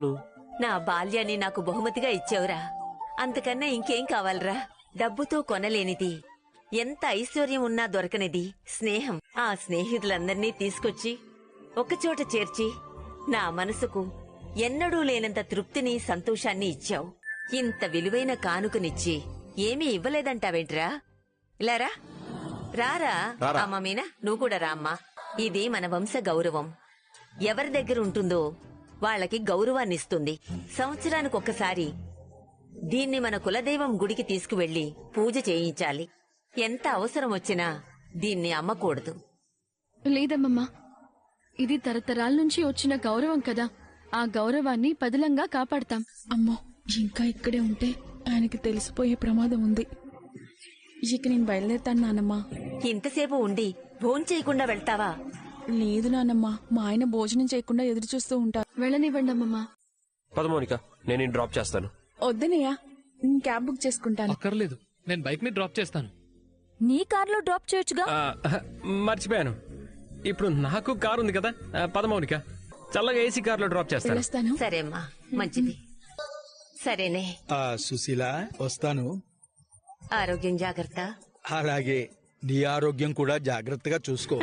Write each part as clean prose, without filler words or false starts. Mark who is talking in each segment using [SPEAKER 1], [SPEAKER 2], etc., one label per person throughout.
[SPEAKER 1] నా బాల్యాన్ని నాకు బహుమతిగా ఇచ్చావురా. అంతకన్నా ఇంకేం కావాలరా? డబ్బుతో కొనలేనిది, ఎంత ఐశ్వర్యం ఉన్నా దొరకనిది స్నేహం. ఆ స్నేహితులందర్నీ తీసుకొచ్చి ఒకచోట చేర్చి నా మనసుకు ఎన్నడూ లేనంత తృప్తిని, సంతోషాన్ని ఇచ్చావు. ఇంత విలువైన కానుకనిచ్చి ఏమీ ఇవ్వలేదంటావేంట్రా? ఇలారా, రారా. అమ్మ మీనా, నువ్వు కూడా రా అమ్మా. ఇది మన వంశ గౌరవం. ఎవరి దగ్గర ఉంటుందో వాళ్ళకి గౌరవాన్నిస్తుంది. సంవత్సరానికి ఒక్కసారి దీన్ని మన కులదైవం గుడికి తీసుకువెళ్లి పూజ చేయించాలి. ఎంత అవసరం వచ్చినా దీన్ని అమ్మకూడదు.
[SPEAKER 2] లేదమ్మమ్మా, ఇది తరతరాల నుంచి వచ్చిన గౌరవం కదా. ఆ గౌరవాన్ని పదిలంగా కాపాడతాం.
[SPEAKER 3] అమ్మో, ఇంకా ఇక్కడే ఉంటే ఆయనకి తెలిసిపోయే ప్రమాదం ఉంది. ఇక నేను బయలుదేరుతాను నానమ్మా.
[SPEAKER 1] ఇంతసేపు ఉండి భోంచేయకుండా వెళ్తావా?
[SPEAKER 3] లేదు నానమ్మా, మా ఆయన భోజనం చేయకుండా ఎదురు చూస్తూ ఉంటారు.
[SPEAKER 2] వెళ్ళనివ్వండి అమ్మమ్మా.
[SPEAKER 4] పద మౌనిక, నేను డ్రాప్ చేస్తాను.
[SPEAKER 3] వద్దనయ్యా, నేను క్యాబ్ బుక్ చేసుకుంటాను.
[SPEAKER 5] అక్కర్లేదు, నేను బైక్ ని డ్రాప్ చేస్తాను.
[SPEAKER 2] నీ కార్లో డ్రాప్ చేయొచ్చుగా.
[SPEAKER 4] మర్చిపోయాను, ఇప్పుడు నాకు కారు ఉంది కదా. పద మౌనిక, చల్లగా ఏసీ కార్లో డ్రాప్ చేస్తాను.
[SPEAKER 3] వెళ్ళొస్తాను.
[SPEAKER 1] సరే అమ్మా, మంచిది. సరేనే,
[SPEAKER 6] సుశీల వస్తాను.
[SPEAKER 1] ఆరోగ్యం జాగ్రత్త.
[SPEAKER 6] అలాగే, నీ ఆరోగ్యం కూడా జాగ్రత్తగా చూసుకో.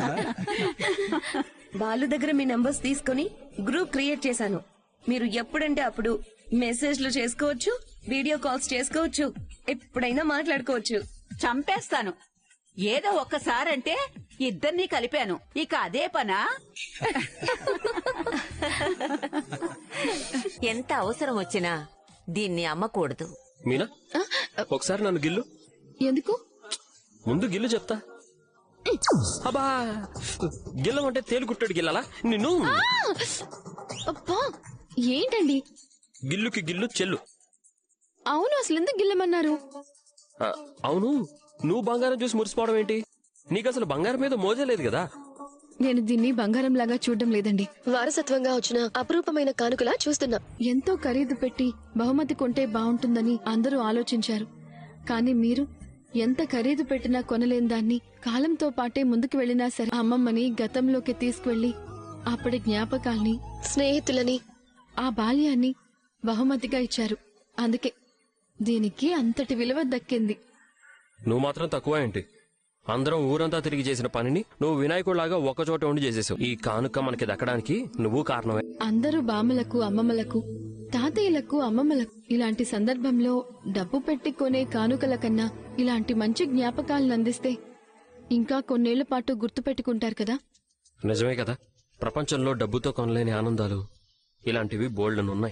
[SPEAKER 7] బాలు దగ్గర మీ నంబర్స్ తీసుకుని గ్రూప్ క్రియేట్ చేశాను. మీరు ఎప్పుడంటే అప్పుడు మెసేజ్లు చేసుకోవచ్చు, వీడియో కాల్స్ చేసుకోవచ్చు, ఎప్పుడైనా మాట్లాడుకోవచ్చు.
[SPEAKER 8] చంపేస్తాను. ఏదో ఒక్కసారంటే ఇద్దరినీ కలిపాను, ఇక అదే పనా?
[SPEAKER 1] ఎంత అవసరం వచ్చినా దీన్ని అమ్మకూడదు.
[SPEAKER 4] మీనా, ఒకసారి నన్ను గిల్లు.
[SPEAKER 2] ఎందుకు?
[SPEAKER 4] ముందు గిల్లు చెప్తా. అబ్బా, గిల్లమంటే తేలుకుట్టాడు గిల్లాలా నిన్ను?
[SPEAKER 2] అబ్బా, ఏంటండి?
[SPEAKER 4] గిల్లుకి గిల్లు చెల్లు.
[SPEAKER 2] అవును, అసలు ఎందుకు గిల్లమన్నారు?
[SPEAKER 4] అవును, నువ్వు బంగారం చూసి మురిసిపోవడం ఏంటి? నీకు అసలు బంగారం మీద మోజే లేదు కదా.
[SPEAKER 2] నేను దీన్ని బంగారం లాగా చూడడం లేదండి.
[SPEAKER 9] వారసత్వంగా వచ్చిన అపురూపమైన కానుకలా చూస్తున్నా.
[SPEAKER 2] ఎంతో ఖరీదు పెట్టి బహుమతి కొంటే బావుంటుందని అందరూ ఆలోచించారు. కానీ మీరు ఎంత ఖరీదు పెట్టినా కొనలేని దాన్ని కాలంతో పాటే ముందుకు వెళ్లినా సరే అమ్మమ్మని గతంలోకి తీసుకువెళ్లి అప్పటి జ్ఞాపకాల్ని,
[SPEAKER 9] స్నేహితులని,
[SPEAKER 2] ఆ బాల్యాన్ని బహుమతిగా ఇచ్చారు. అందుకే దీనికి అంతటి విలువ దక్కింది.
[SPEAKER 4] నువ్వు మాత్రం తక్కువ ఏంటి? అందరం ఊరంతా తిరిగి చేసిన పనిని నువ్వు వినాయకుడిలాగా ఒకచోట ఉండి చేసేసావు. ఈ కానుక మనకి దక్కడానికి నువ్వు కారణమే.
[SPEAKER 2] అందరూ బామ్మలకు, అమ్మమ్మలకు, తాతయ్యలకు, అమ్మమ్మలకు ఇలాంటి సందర్భంలో డబ్బు పెట్టి కొనే కానుకల కన్నా ఇలాంటి మంచి జ్ఞాపకాలను అందిస్తే ఇంకా కొన్నేళ్ల పాటు గుర్తు పెట్టుకుంటారు కదా.
[SPEAKER 4] నిజమే కదా. ప్రపంచంలో డబ్బుతో కొనలేని ఆనందాలు ఇలాంటివి బోల్డెనున్నాయి.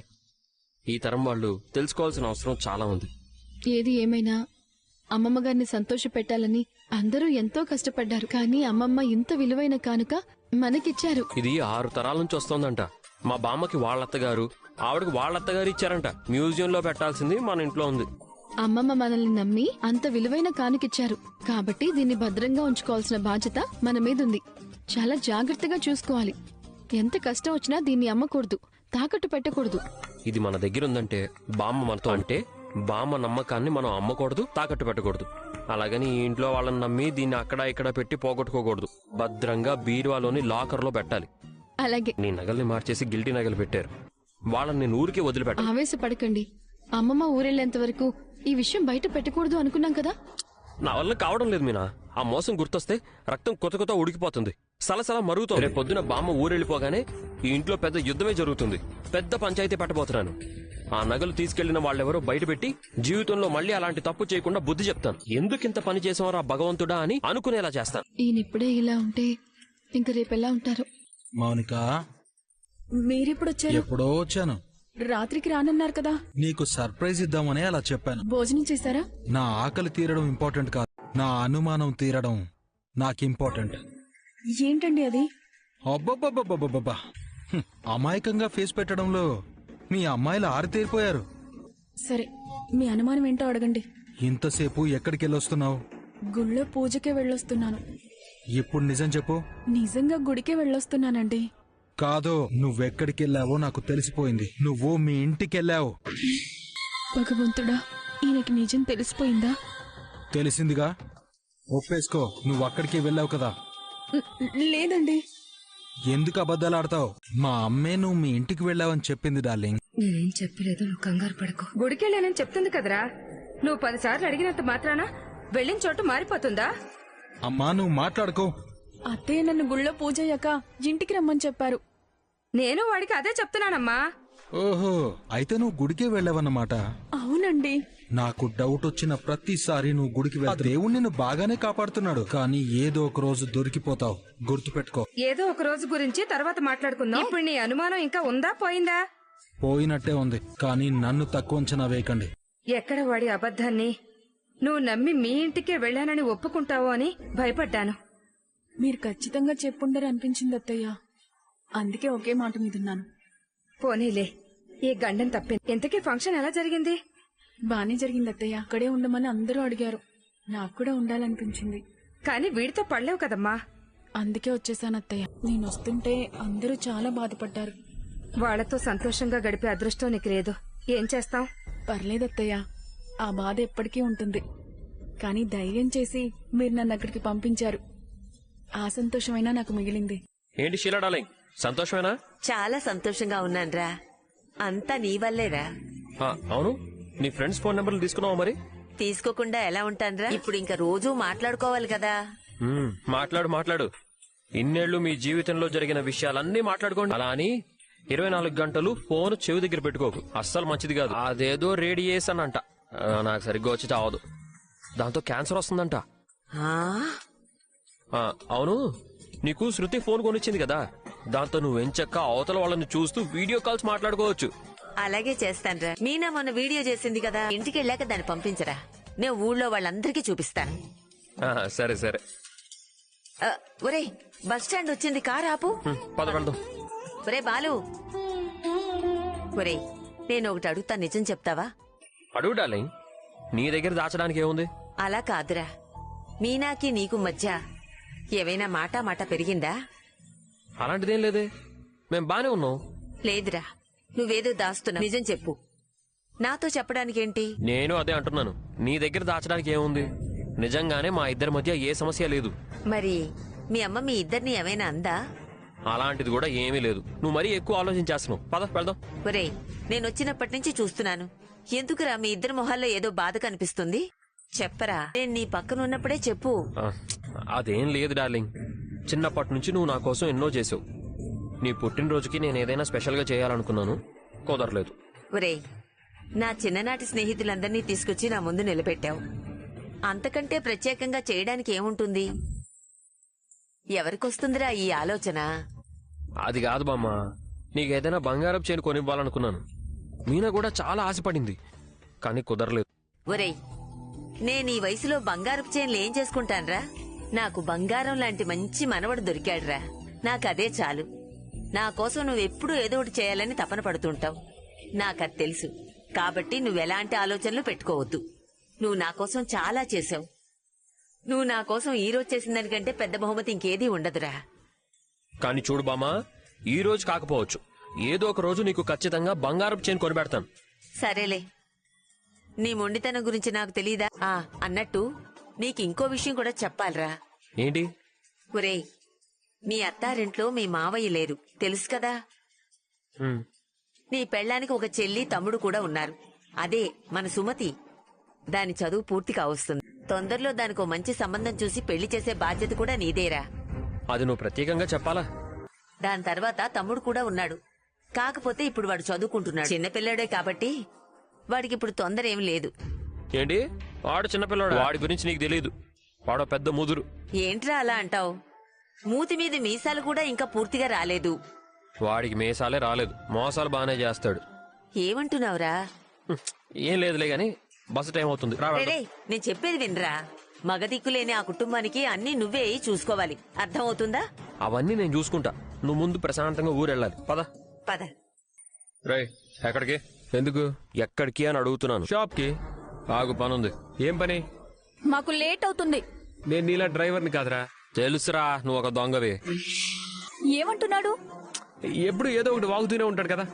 [SPEAKER 4] ఈ తరం వాళ్ళు తెలుసుకోవాల్సిన అవసరం చాలా ఉంది.
[SPEAKER 2] ఏది ఏమైనా అమ్మమ్మ గారిని సంతోష పెట్టాలని అందరూ ఎంతో కష్టపడ్డారు. కానీ అమ్మమ్మ ఇంత విలువైన కానుక మనకిచ్చారు.
[SPEAKER 4] ఇది 6 తరాల నుంచి వస్తోందంట. మా బామ్మకి వాళ్ళత్తగారు, ఆవిడకి వాళ్ళత్తగారు ఇచ్చారంట. మ్యూజియంలో పెట్టాల్సింది మన ఇంట్లో ఉంది.
[SPEAKER 2] అమ్మమ్మ మనల్ని నమ్మి అంత విలువైన కానుకిచ్చారు కాబట్టి దీన్ని భద్రంగా ఉంచుకోవాల్సిన బాధ్యత మన మీదుంది. చాలా జాగ్రత్తగా చూసుకోవాలి. ఎంత కష్టం వచ్చినా దీన్ని అమ్మకూడదు, తాకట్టు పెట్టకూడదు.
[SPEAKER 4] ఇది మన దగ్గరుందంటే బామ్మ మనతో అంటే బామ్మ నమ్మకాన్ని మనం అమ్మకూడదు, తాకట్టు పెట్టకూడదు. అలాగని ఈ ఇంట్లో వాళ్ళని నమ్మి దీన్ని అక్కడ ఇక్కడ పెట్టి పోగొట్టుకోకూడదు. భద్రంగా బీరువాలోని లాకర్లో పెట్టాలి.
[SPEAKER 2] అలాగే.
[SPEAKER 4] నీ నగల్ని మార్చేసి గిల్టీ నగలు పెట్టారు, వాళ్ళని నేను ఊరికే వదిలిపెట్ట.
[SPEAKER 2] ఆవేశపడకండి. అమ్మమ్మ ఊరెళ్లేంత వరకు ఈ విషయం బయట పెట్టకూడదు అనుకున్నాం కదా.
[SPEAKER 4] నా వల్ల కావడం లేదు మీనా. ఆ మోసం గుర్తొస్తే రక్తం కొత్త కొత్త ఉడికిపోతుంది, సలసలా మరుగుతుంది. రేపు పొద్దున బామ్మ ఊరెళ్ళిపోగానే ఈ ఇంట్లో పెద్ద యుద్ధమే జరుగుతుంది. పెద్ద పంచాయతీ పెట్టబోతున్నాను. ఆ నగలు తీసుకెళ్లిన వాళ్ళెవరో బయటపెట్టి జీవితంలో మళ్ళీ అలాంటి తప్పు చేయకుండా బుద్ధి చెప్తాను. ఎందుకింత పని చేసేవారా భగవంతుడా అని అనుకునేలా చేస్తాను.
[SPEAKER 2] ఈయనిప్పుడే ఇలా ఉంటే ఇంక రేపెలా ఉంటారు?
[SPEAKER 6] మౌనిక,
[SPEAKER 3] మీరెప్పుడు వచ్చారు?
[SPEAKER 6] ఎప్పుడో వచ్చాను.
[SPEAKER 3] రాత్రికి రానన్నారు కదా.
[SPEAKER 6] నీకు సర్ప్రైజ్ ఇద్దామని అలా చెప్పాను.
[SPEAKER 3] భోజనం చేశారా?
[SPEAKER 6] నా ఆకలి తీరడం ఇంపార్టెంట్ కాదు, నా అనుమానం తీరడం నాకు ఇంపార్టెంట్.
[SPEAKER 3] ఏంటండి అది?
[SPEAKER 6] అబ్బబ్బబ్బబ్బబ్బబ్బా, అమాయకంగా ఫేస్ పెట్టడంలో మీ అమ్మాయిలు ఆరితేరిపోయారు.
[SPEAKER 3] సరే, మీ అనుమానం ఏంటో అడగండి.
[SPEAKER 6] ఇంతసేపు ఎక్కడికి వెళ్ళొస్తున్నావు?
[SPEAKER 3] గుళ్ళో పూజకే వెళ్ళొస్తున్నాను.
[SPEAKER 6] ఇప్పుడు నిజం చెప్పు.
[SPEAKER 3] నిజంగా గుడికే వెళ్ళొస్తున్నానండి.
[SPEAKER 6] కాదో, నువ్వెక్కడికెళ్ళావో నాకు తెలిసిపోయింది. నువ్వు మీ ఇంటికెళ్ళావు.
[SPEAKER 3] భగవంతుడా, ఈయనకి నిజం తెలిసిపోయిందా?
[SPEAKER 6] తెలిసిందిగా, ఒప్పేసుకో. నువ్వు అక్కడికి వెళ్ళావు కదా.
[SPEAKER 3] లేదండి.
[SPEAKER 6] ఎందుకు అబద్ధాలు ఆడతావు? మా అమ్మే నువ్వు మీ ఇంటికి వెళ్ళావని చెప్పింది డార్లింగ్.
[SPEAKER 7] నేనేం చెప్పలేదు, నువ్వు కంగారు పడకు. గుడికెళ్ళానని చెప్తుంది కదరా. నువ్వు 10 సార్లు అడిగినంత మాత్రాన వెళ్ళిన చోటు మారిపోతుందా?
[SPEAKER 6] అమ్మా నువ్వు మాట్లాడుకో.
[SPEAKER 3] అత్తయ్య నన్ను గుళ్ళో పూజ అయ్యాక ఇంటికి రమ్మని చెప్పారు.
[SPEAKER 7] నేను వాడికి అదే చెప్తున్నానమ్మా.
[SPEAKER 6] ఓహో, అయితే నువ్వు గుడికే వెళ్ళావన్నమాట.
[SPEAKER 3] అవునండి.
[SPEAKER 6] నాకు డౌట్ వచ్చిన ప్రతిసారి నువ్వు గుడికి వెళ్తా దేవుడు నిన్ను బాగానే కాపాడుతున్నాడు, కానీ ఏదో ఒక రోజు దొరికిపోతావు, గుర్తుపెట్టుకో.
[SPEAKER 7] ఏదో ఒక రోజు గురించి తర్వాత మాట్లాడుకుందాం. ఇప్పుడు నీ అనుమానం ఇంకా ఉందా పోయిందా?
[SPEAKER 6] పోయినట్టే ఉంది, కానీ నన్ను తక్కువ అంచనా వేయకండి.
[SPEAKER 7] ఎక్కడ వాడి అబద్ధాన్ని నువ్వు నమ్మి మీ ఇంటికే వెళ్ళానని ఒప్పుకుంటావో అని భయపడ్డాను.
[SPEAKER 3] మీరు ఖచ్చితంగా చెప్పుండరు అనిపించింది అత్తయ్య. అందుకే ఒకే మాట మీదున్నాను.
[SPEAKER 7] పోనీలే, ఈ గండం తప్పింది. ఇంతకీ ఫంక్షన్ ఎలా జరిగింది?
[SPEAKER 3] బానే జరిగింది అత్తయ్య. అక్కడే ఉండమని అందరూ అడిగారు. నాకు కూడా ఉండాలనిపించింది.
[SPEAKER 7] కానీ వీడితో పడలేవు కదమ్మా.
[SPEAKER 3] అందుకే వచ్చేసాను అత్తయ్య. నేను వస్తుంటే అందరూ చాలా బాధపడ్డారు.
[SPEAKER 7] వాళ్లతో సంతోషంగా గడిపే అదృష్టం నీకు లేదు. ఏం చేస్తాం?
[SPEAKER 3] పర్లేదత్తయ్య, ఆ బాధ ఎప్పటికీ ఉంటుంది. కానీ ధైర్యం చేసి మీరు నన్ను అక్కడికి పంపించారు. ఆ సంతోషమైనా నాకు మిగిలింది.
[SPEAKER 4] ఏంటి షీలా డార్లింగ్, సంతోషమేనా?
[SPEAKER 1] చాలా సంతోషంగా ఉన్నాన్రా. అంతా నీ వల్లేరా.
[SPEAKER 4] అవును, నీ ఫ్రెండ్స్ ఫోన్ నెంబర్లు తీసుకున్నావా మరి?
[SPEAKER 1] తీసుకోకుండా ఎలా ఉంటాన్రా? ఇప్పుడు ఇంకా రోజూ మాట్లాడుకోవాలి కదా.
[SPEAKER 4] మాట్లాడు. ఇన్నేళ్లు మీ జీవితంలో జరిగిన విషయాలన్నీ మాట్లాడుకోండి. అలా అని 24 గంటలు ఫోన్ చెవి దగ్గర పెట్టుకోకు, అస్సలు మంచిది కాదు. అదేదో రేడియేషన్ అంట, నాకు సరిగ్గా వచ్చి చావదు. దాంతో క్యాన్సర్ వస్తుందంట. అవును, నీకు శృతి ఫోన్ కొనిచ్చింది కదా, దాంతో నువ్వు ఎంచక్క అవతల వాళ్ళని చూస్తూ వీడియో కాల్స్ మాట్లాడుకోవచ్చు.
[SPEAKER 1] అలాగే చేస్తాన్రా. మీనా మొన్న వీడియో చేసింది కదా, ఇంటికి వెళ్ళాక దాన్ని పంపించరా, నేను ఊళ్ళో వాళ్ళందరికీ చూపిస్తాను.
[SPEAKER 4] సరే సరే.
[SPEAKER 1] ఒరేయ్, బస్ స్టాండ్ వచ్చింది, కారు ఆపు.
[SPEAKER 4] పద వెళ్దాం.
[SPEAKER 1] ఒరే బాలు, ఒరేయ్ నేను ఒకటి అడుగుతా, నిజం చెప్తావా?
[SPEAKER 4] అడుగు డార్లింగ్, నీ దగ్గర దాచడానికి ఏముంది?
[SPEAKER 1] అలా కాదురా, మీనాకి నీకు మధ్య ఏవైనా మాట పెరిగిందా?
[SPEAKER 4] అలాంటిదేం లేదే, మేం బానే ఉన్నాం.
[SPEAKER 1] లేదురా, నువ్వేదో దాస్తున్నా, నిజం చెప్పు. నాతో చెప్పడానికేంటి?
[SPEAKER 4] నేను అదే అంటున్నాను, నీ దగ్గర దాచడానికి ఏముంది? నిజంగానే మా ఇద్దరి మధ్య ఏ సమస్య లేదు.
[SPEAKER 1] మరి మీ అమ్మ మీ ఇద్దరిని ఏమైనా అందా?
[SPEAKER 4] అలాంటిది కూడా ఏమీ లేదు. నువ్వు మరీ ఎక్కువ ఆలోచించేస్తున్నావు. పద వెళ్దాం.
[SPEAKER 1] ఒరేయ్, నేను వచ్చినప్పటి నుంచి చూస్తున్నాను, ఎందుకురా మీ ఇద్దరి మొహాల్లో ఏదో బాధ కనిపిస్తుంది? చెప్పరా, నేను నీ పక్కన ఉన్నప్పుడే చెప్పు.
[SPEAKER 4] అదేం లేదు డార్లింగ్, చిన్నప్పటి నుంచి నువ్వు నా కోసం ఎన్నో చేసావు. నీ పుట్టినరోజుకి నేను ఏదైనా స్పెషల్ గా చేయాలనుకున్నాను, కుదరలేదు.
[SPEAKER 1] ఒరేయ్, నా చిన్ననాటి స్నేహితులందరినీ తీసుకొచ్చి నా ముందు నిలబెట్టావు. అంతకంటే ప్రత్యేకంగా చేయడానికి ఏముంటుంది? ఎవరికొస్తుందిరా ఈ ఆలోచన?
[SPEAKER 4] అది కాదు బామ్మ, నీకేదైనా బంగారపు చైన్ కొనివ్వాలనుకున్నాను. మీనా కూడా చాలా ఆశపడింది, కానీ కుదరలేదు.
[SPEAKER 1] ఒరేయ్, నేను ఈ వయసులో బంగారపు చైన్లు ఏం చేసుకుంటాన్రా? నాకు బంగారం లాంటి మంచి మనవడు దొరికాడురా, నాకదే చాలు. నా కోసం నువ్వెప్పుడూ ఏదో ఒకటి చేయాలని తపన పడుతుంటావు, నాకది తెలుసు. కాబట్టి నువ్వెలాంటి ఆలోచనలు పెట్టుకోవద్దు. నువ్వు నా కోసం చాలా చేశావు. నువ్వు నా కోసం ఈ రోజు చేసిన దానికంటే పెద్ద బహుమతి ఇంకేదీ ఉండదురా.
[SPEAKER 4] కానీ చూడు బామ్మ, ఈ రోజు కాకపోవచ్చు, ఏదో ఒక రోజు నీకు ఖచ్చితంగా బంగారపు చైన్ కొనిపెడతాను.
[SPEAKER 1] సరేలే, నీ మొండితనం గురించి నాకు తెలీదా? అన్నట్టు నీకింకో విషయం కూడా చెప్పాలరా.
[SPEAKER 4] ఏంటి?
[SPEAKER 1] ఒరేయ్, మీ అత్తారింట్లో మీ మావయ్య లేరు, తెలుసు కదా. నీ పెళ్ళానికి ఒక చెల్లి తమ్ముడు కూడా ఉన్నారు, అదే మన సుమతి. దాని చదువు పూర్తి కావస్తుంది. తొందరలో దానికో మంచి సంబంధం చూసి పెళ్లి చేసే బాధ్యత కూడా నీదేరా.
[SPEAKER 4] అది నువ్వు ప్రత్యేకంగా చెప్పాలా?
[SPEAKER 1] దాని తర్వాత తమ్ముడు కూడా ఉన్నాడు, కాకపోతే ఇప్పుడు వాడు చదువుకుంటున్నాడు. చిన్నపిల్లాడే కాబట్టి వాడికిప్పుడు తొందర ఏం లేదు.
[SPEAKER 4] ఏంటి? వాడు చిన్నపిల్లాడు, వాడి గురించి నీకు తెలియదు. వాడో పెద్ద ముదురు.
[SPEAKER 1] ఏంట్రా అలా అంటావు? మూతి మీద మీసాలు కూడా ఇంకా పూర్తిగా రాలేదు.
[SPEAKER 4] వాడికి మీసాలే రాలేదు, మోసాలు బానే చేస్తాడు.
[SPEAKER 1] ఏమంటున్నావురా?
[SPEAKER 4] ఏం లేదులే గాని బస్సు టైం అవుతుంది.
[SPEAKER 1] నేను చెప్పేది వినరా, మగదిక్కులేని ఆ కుటుంబానికి అన్ని నువ్వే చూసుకోవాలి, అర్థం అవుతుందా?
[SPEAKER 4] అవన్నీ నేను చూసుకుంటా, నువ్వు ముందు ప్రశాంతంగా ఊరెళ్ళాలి. పద
[SPEAKER 1] పద.
[SPEAKER 4] రే, ఎక్కడికి? ఎందుకు ఎక్కడికి అని అడుగుతున్నాను. షాప్ కి. ఆగు, పనుంది. ఏం పని?
[SPEAKER 3] మాకు లేట్ అవుతుంది.
[SPEAKER 4] నేను నీలా డ్రైవర్ని కాదురా. తెలుసురా, నువ్వు ఒక దొంగవి.
[SPEAKER 3] ఏమంటున్నాడు?
[SPEAKER 4] ఎప్పుడు ఏదో ఒకటి వాగుతూనే ఉంటాడు కదా.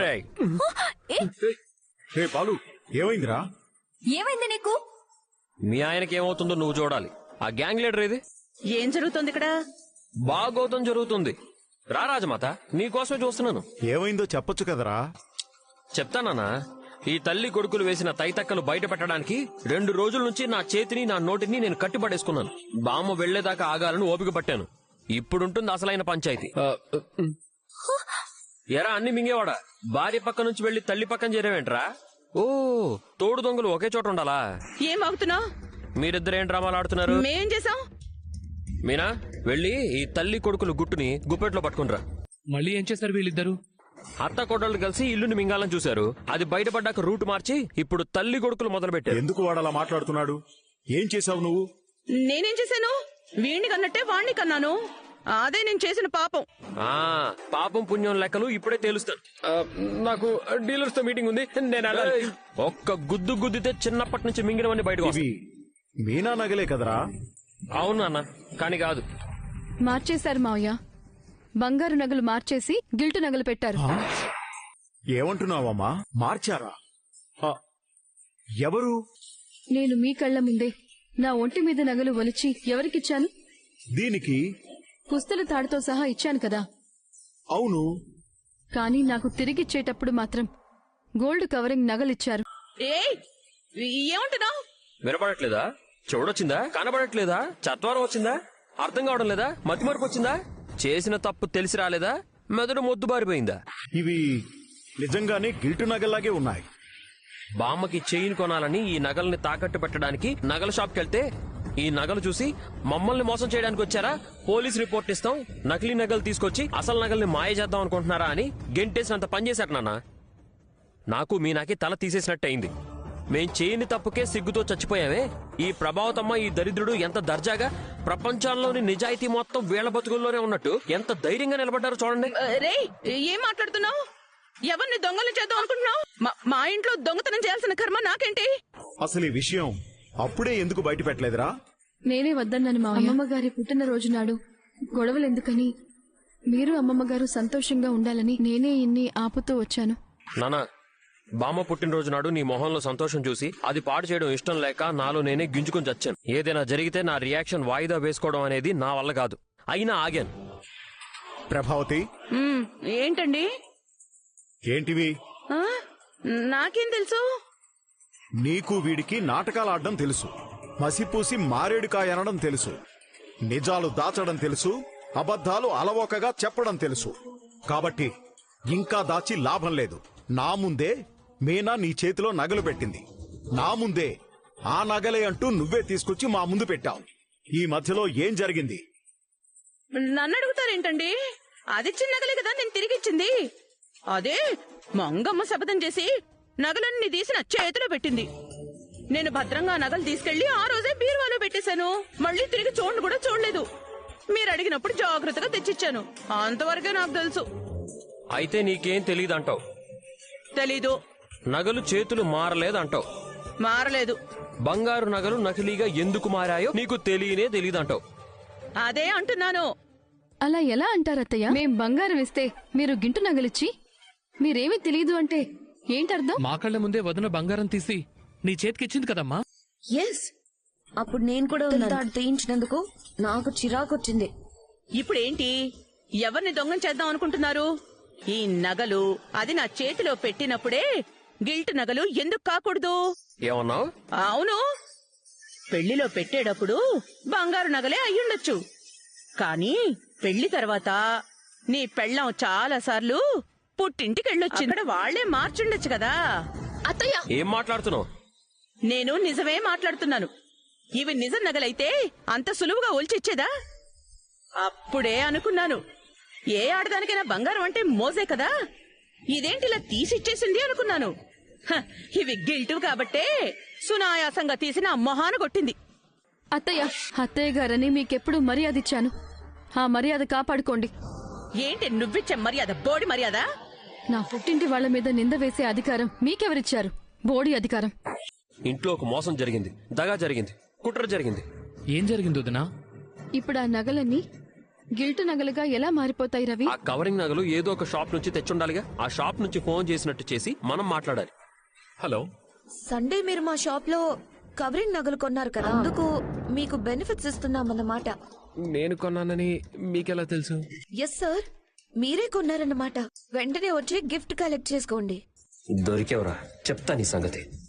[SPEAKER 10] రే బాలు, ఏమైందిరా?
[SPEAKER 3] ఏమైంది నీకు?
[SPEAKER 4] మీ ఆయనకి ఏమవుతుందో నువ్వు చూడాలి. ఆ గ్యాంగ్ లీడర్ ఇది.
[SPEAKER 8] ఏం జరుగుతుంది ఇక్కడ?
[SPEAKER 4] బాగోతం జరుగుతుంది. రా రాజమాత, నీకోసమే చూస్తున్నాను.
[SPEAKER 10] ఏమైందో చెప్పొచ్చు కదరా.
[SPEAKER 4] చెప్తానన్నా. ఈ తల్లి కొడుకులు వేసిన తైతక్కలు బయట పెట్టడానికి 2 రోజుల నుంచి నా చేతిని నా నోటిని నేను కట్టిపడేసుకున్నాను. బామ్మ వెళ్లేదాకా ఆగాలని ఓపిక పట్టాను. ఇప్పుడుంటుంది అసలైన పంచాయతీ. ఎరా అన్ని మింగేవాడా, భార్య పక్క నుంచి వెళ్లి తల్లి పక్కన చేరేవేంట్రా? ఓ, తోడు దొంగలు ఒకే చోట ఉండాలా?
[SPEAKER 8] ఏం ఆగుతున్నావు?
[SPEAKER 4] మీరిద్దరేం డ్రామాలు ఆడుతున్నారు?
[SPEAKER 8] మేం చేసాం?
[SPEAKER 4] మీనా, వెళ్ళి ఈ తల్లి కొడుకులు గుట్టుని గుప్పెట్లో పట్టుకునిరా.
[SPEAKER 5] మళ్ళీ ఏం చేశారు వీళ్ళిద్దరు?
[SPEAKER 4] అత్త కొడళ్ళు కలిసి ఇల్లుని మింగాలని చూశారు. అది బయటపడ్డాక రూట్ మార్చి ఇప్పుడు తల్లి కొడుకులు మొదలు పెట్టారు.
[SPEAKER 10] ఎందుకు వాడు అలా మాట్లాడుతున్నాడు? ఏం చేశావు నువ్వు?
[SPEAKER 8] నేనేం చేశాను? వీణ్ణి కన్నట్టే వాణ్ణి కన్నాను. అదే నేను చేసిన పాపం.
[SPEAKER 4] పాపం పుణ్యం లెక్కలు ఇప్పుడే తేలుస్తాను. నాకు డీలర్స్ తో మీటింగ్ ఉంది, నేను వెళ్ళాలి. ఒక్క గుద్దు గుద్దితే చిన్నప్పటి నుంచి మింగినవన్నీ బయటకు
[SPEAKER 10] ఇవి మీనా నగలే కదరా?
[SPEAKER 4] అవును అన్న, కాని కాదు.
[SPEAKER 2] మార్చేశారు మావయ్య. బంగారు నగలు మార్చేసి గిల్టు నగలు పెట్టారు.
[SPEAKER 10] ఏమంటున్నావమ్మా? మార్చారా? ఆ, ఎవరు?
[SPEAKER 2] నేను మీ కళ్ల ముందే నా ఒంటి మీద నగలు ఒలిచి ఎవరికిచ్చాను?
[SPEAKER 10] దీనికి
[SPEAKER 2] పుస్తల తాడుతో సహా ఇచ్చాను కదా.
[SPEAKER 10] అవును.
[SPEAKER 2] కానీ నాకు తిరిగిచ్చేటప్పుడు మాత్రం గోల్డ్ కవరింగ్ నగలిచ్చారు.
[SPEAKER 8] ఏమంటున్నావు?
[SPEAKER 4] వినపడట్లేదా? చూడొచ్చిందా? కనబడట్లేదా? చత్వారం వచ్చిందా? అర్థం కావడం లేదా? మతిమరుపు వచ్చిందా? చేసిన తప్పు తెలిసి రాలేదా? మెదడు మొద్దు బారిపోయిందా?
[SPEAKER 10] ఇవి నిజంగానే గిల్టు నగల్లాగే ఉన్నాయి.
[SPEAKER 4] బామ్మకి చైన్ కొనాలని ఈ నగల్ని తాకట్టు పెట్టడానికి నగల షాప్కి వెళ్తే ఈ నగలు చూసి మమ్మల్ని మోసం చేయడానికి వచ్చారా, పోలీస్ రిపోర్ట్ ఇస్తాం, నకిలీ నగలు తీసుకొచ్చి అసలు నగల్ని మాయ చేద్దాం అనుకుంటున్నారా అని గెంటేసినంత పనిచేశారు నాన్న. నాకు మీనాకి తల తీసేసినట్టు అయింది. మేం చేయని తప్పుకే సిగ్గుతో చచ్చిపోయావే. ఈ ప్రభావతమ్మ, ఈ దరిద్రుడు ఎంత దర్జాగా ప్రపంచంలోని నిజాయితీ మొత్తం వీళ్ల బతుకుల్లోనే ఉన్నట్టు ఎంత ధైర్యంగా నిలబడ్డారో చూడండి.
[SPEAKER 8] రే, ఏం మాట్లాడుతున్నావు? ఎవరిని దొంగలు చేద్దాం అనుకుంటున్నావు? మా ఇంట్లో దొంగతనం చేయాల్సిన కర్మ నాకేంటి?
[SPEAKER 10] అసలు ఈ విషయం అప్పుడే ఎందుకు బయట పెట్టలేదురా?
[SPEAKER 2] నేనే వద్దన్నాను మా అమ్మమ్మ గారి పుట్టినరోజు నాడు గొడవలెందుకని, మీరు అమ్మమ్మ గారు సంతోషంగా ఉండాలని నేనే ఇన్ని ఆపుతూ వచ్చాను.
[SPEAKER 4] నానా, బామ్మ పుట్టినరోజు నాడు నీ మొహంలో సంతోషం చూసి అది పాడు చేయడం ఇష్టం లేక నాలో నేనే గింజుకుని చచ్చాను. ఏదైనా జరిగితే నా రియాక్షన్ వాయిదా వేసుకోవడం అనేది నా వల్ల కాదు. అయినా ఆగాను.
[SPEAKER 10] ప్రభావతి,
[SPEAKER 8] ఏంటండి?
[SPEAKER 10] ఏంటివి?
[SPEAKER 8] నాకేం తెలుసు?
[SPEAKER 10] నీకు వీడికి నాటకాలు ఆడడం తెలుసు, మసిపూసి మారేడుకాయ అనడం తెలుసు, నిజాలు దాచడం తెలుసు, అబద్ధాలు అలవోకగా చెప్పడం తెలుసు. కాబట్టి ఇంకా దాచి లాభం లేదు. నా ముందే మీనా నీ చేతిలో నగలు పెట్టింది. నా ముందే ఆ నగలే అంటూ నువ్వే తీసుకొచ్చి మా ముందు పెట్టావు. ఈ మధ్యలో ఏం జరిగింది?
[SPEAKER 8] నన్ను అడుగుతారేంటండి? అది చిన్న నగలే కదా నేను తిరిగిచ్చింది. అదే మంగమ్మ శపథం చేసి నగలన్నీ తీసి నా చేతిలో పెట్టింది. నేను భద్రంగా నగలు తీసుకెళ్లి ఆ రోజే బీరువాలో పెట్టేశాను. మళ్ళీ తిరిగి చూడండి కూడా చూడలేదు. మీరు అడిగినప్పుడు జాగ్రత్తగా తెచ్చిచ్చాను. అంతవరకే నాకు తెలుసు.
[SPEAKER 4] అయితే నీకేం తెలియదంటావు?
[SPEAKER 8] తెలీదు.
[SPEAKER 4] నగలు చేతులు మారలేదంటావు?
[SPEAKER 8] మారలేదు.
[SPEAKER 4] బంగారు నగలు నకిలీగా ఎందుకు మారాయో నీకు తెలియనే తెలియదంటావు?
[SPEAKER 8] అదే అంటున్నాను.
[SPEAKER 2] అలా ఎలా అంటారత్తయ్య? మేం బంగారం ఇస్తే మీరు గింటు నగలిచ్చి మీరేమీ తెలియదు అంటే ఏంటర్థం?
[SPEAKER 5] మా కళ్ళ ముందే వదిన బంగారం తీసి నీ చేతికిచ్చింది కదమ్మా.
[SPEAKER 7] ఎస్, అప్పుడు నేను కూడా తాడు తీయించినందుకు నాకు చిరాకొచ్చింది.
[SPEAKER 8] ఇప్పుడేంటి? ఎవరిని దొంగం చేద్దాం అనుకుంటున్నారు? ఈ నగలు అది నా చేతిలో పెట్టినప్పుడే గిల్ట్ నగలు ఎందుకు కాకూడదు?
[SPEAKER 4] ఏమన్నావు?
[SPEAKER 8] అవును, పెళ్లిలో పెట్టేటప్పుడు బంగారు నగలే అయ్యుండొచ్చు. కానీ పెళ్లి తర్వాత నీ పెళ్ళాం చాలా సార్లు పుట్టింటికెళ్ళొచ్చింది. అక్కడ వాళ్లే మార్చుండొచ్చు కదా.
[SPEAKER 9] అత్తయ్య,
[SPEAKER 4] ఏం మాట్లాడుతున్నావు?
[SPEAKER 8] నేను నిజమే మాట్లాడుతున్నాను. ఇవి నిజం నగలైతే అంత సులువుగా ఒలిచిచ్చేదా? అప్పుడే అనుకున్నాను, ఏ ఆడదానికైనా బంగారం అంటే మోజే కదా, ఇదేంటిలా తీసిచ్చేసింది అనుకున్నాను. ఇవి గిల్టు కాబట్టే సునాయాసంగా తీసిన మొహాన కొట్టింది.
[SPEAKER 2] అత్తయ్య గారని మీకెప్పుడు మర్యాద ఇచ్చాను. ఆ మర్యాద కాపాడుకోండి.
[SPEAKER 8] ఏంటి నువ్విచ్చే మర్యాద? బోడి మర్యాద?
[SPEAKER 2] నా పుట్టింటి వాళ్ల మీద నింద వేసే అధికారం మీకెవరిచ్చారు? బోడి అధికారం.
[SPEAKER 4] ఇంట్లో ఒక మోసం జరిగింది, దగా జరిగింది, కుట్ర జరిగింది.
[SPEAKER 5] ఏం జరిగింది వదినా?
[SPEAKER 2] ఇప్పుడు ఆ నగలన్నీ గిల్టు నగలుగా ఎలా మారిపోతాయి రవి?
[SPEAKER 4] ఆ కవరింగ్ నగలు ఏదో ఒక షాప్ నుంచి తెచ్చుండాలిగా. ఆ షాప్ నుంచి ఫోన్ చేసినట్టు చేసి మనం మాట్లాడాలి.
[SPEAKER 5] హలో,
[SPEAKER 11] సండే మీరు మా షాప్ లో కవరింగ్ నగలు కొన్నారు కదా, అందుకు మీకు బెనిఫిట్స్ ఇస్తున్నామన్నమాట.
[SPEAKER 5] నేను కొన్నానని మీకెలా తెలుసు?
[SPEAKER 11] ఎస్ సార్,
[SPEAKER 7] మీరే కొన్నారన్నమాట. వెంటనే వచ్చి గిఫ్ట్ కలెక్ట్ చేసుకోండి.
[SPEAKER 4] దొరికేవరా, చెప్తా నీ సంగతి.